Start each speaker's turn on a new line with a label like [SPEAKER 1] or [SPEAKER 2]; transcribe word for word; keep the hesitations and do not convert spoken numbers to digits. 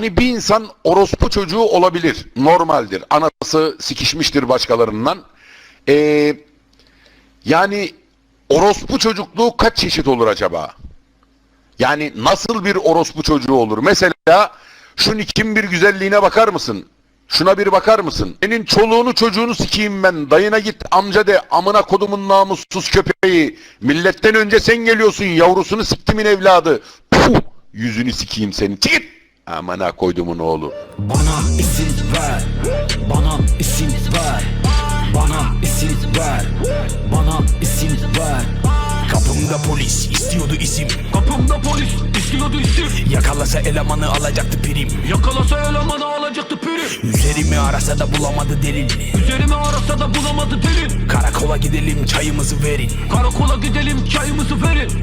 [SPEAKER 1] Hani bir insan orospu çocuğu olabilir. Normaldir. Anası sikişmiştir başkalarından. Ee, yani orospu çocukluğu kaç çeşit olur acaba? Yani nasıl bir orospu çocuğu olur? Mesela şu nikin bir güzelliğine bakar mısın? Şuna bir bakar mısın? Senin çoluğunu çocuğunu sikeyim ben. Dayına git amca de, amına kodumun namussuz köpeği. Milletten önce sen geliyorsun, yavrusunu siktimin evladı. Puh, yüzünü sikeyim senin. Git. Amına koydumun oğlu.
[SPEAKER 2] Bana isim ver, bana isim ver, bana isim ver, bana isim ver.
[SPEAKER 3] Kapımda polis istiyordu isim.
[SPEAKER 4] Kapımda polis istiyordu isim.
[SPEAKER 3] Yakalasa elemanı alacaktı prim.
[SPEAKER 4] Yakalasa elemanı alacaktı prim.
[SPEAKER 3] Üzerimi arasa da bulamadı delil.
[SPEAKER 4] Üzerime arasa da bulamadı delil.
[SPEAKER 3] Karakola gidelim çayımızı verin.
[SPEAKER 4] Karakola gidelim çayımızı verin.